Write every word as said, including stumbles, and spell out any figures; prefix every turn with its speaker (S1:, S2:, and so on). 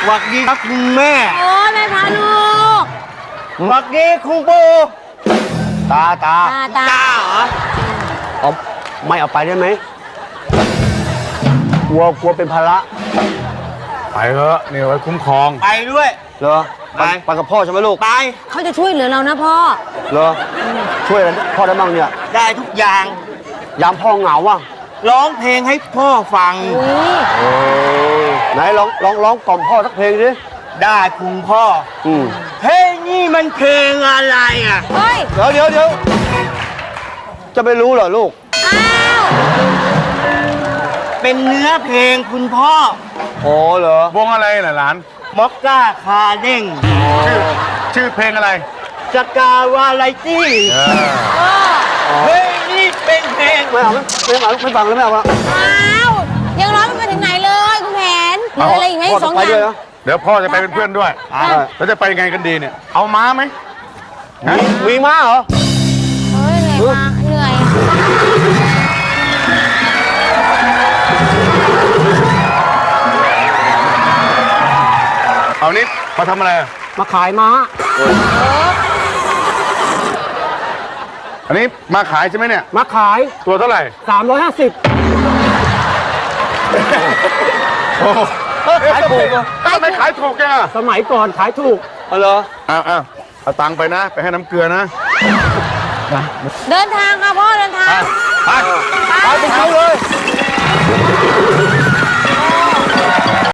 S1: หวัดดีครับคุณแม่
S2: โอ้แม่พาลูก
S1: หวัดดีคุณปู่ตาตา
S2: ตาตา
S1: ตาเหรอเอาไม่เอาไปได้ไหมกลัวกลัวเป็นภาระ
S3: ไปเถอะนี่ไว้คุ้มครอง
S1: ไปด้วยเหรอ
S3: ไป
S1: ไปกับพ่อใช่ไหมลูก ไป
S2: เขาจะช่วยเหลือเรานะพ่อ
S1: เหรอช่วยอะไรพ่อได้บ้างเนี่ยได้ทุกอย่างยามพ่อเหงาอ่ะร้องเพลงให้พ่อฟัง
S2: อุ้ย
S1: โอ้ไหนร้องร้องร้องกล่อมพ่อสักเพลงดิได้คุณพ่ออืมเพลงนี่มันเพลงอะไรอ่ะ
S2: เฮ้ย
S1: เดี๋ยวเดี๋ยวเดี๋ยวจะไม่รู้เหรอลูก
S2: อ้าว
S1: เป็นเนื้อเพลงคุณพ่อโอ้เหรอ
S3: วงอะไรล่ะหลาน
S1: มอกก้าคาเด้ง
S3: ชื่อชื่อเพลงอะไร
S1: สกาวาไลตี้
S3: เออ
S2: พ่อ
S1: เฮ้ยนี่เป็นเพลงไม่เอาไม่เอาไม่ฟังแล้วไม่เอาละ
S2: อ้าวยังร้องไม่ไปถึงไหนเลยคุณแผนเหลืออะไรอีกไหม
S1: พ่อ
S2: ส
S1: ต้
S2: อ
S1: อง งไป
S2: อ
S1: ด้วย
S2: ย่าง
S1: นะ
S3: เดี๋ยวพ่อจะไปเป็นเพื่อนด้วย
S1: อ่า
S3: แล้วจะไปยังไงกันดีเนี่ย เอาม้าไหม
S1: มีมีม้าเหรอ
S2: เฮ้ยเหนื่อยมากเหนื่อย
S3: เอานี้มาทำอะไร
S1: มาขายม้า
S3: อันนี้มาขายใช่ไหมเนี่ย
S1: มาขาย
S3: ตัวเท่าไหร่
S1: สามร้อยห้าสิบ
S3: โอ้โห
S1: ขายถูกเหรอ
S3: ทำไมขายถูกจังอ่ะ
S1: สมัยก่อนขายถูกเอาเหรอ
S3: อ้าวอ้าวเอาตังค์ไปนะ ไปให้น้ำเกลือนะ
S2: เดินทางค่ะพ่อเดินทาง
S3: ไป
S1: ไปไปเขาเลย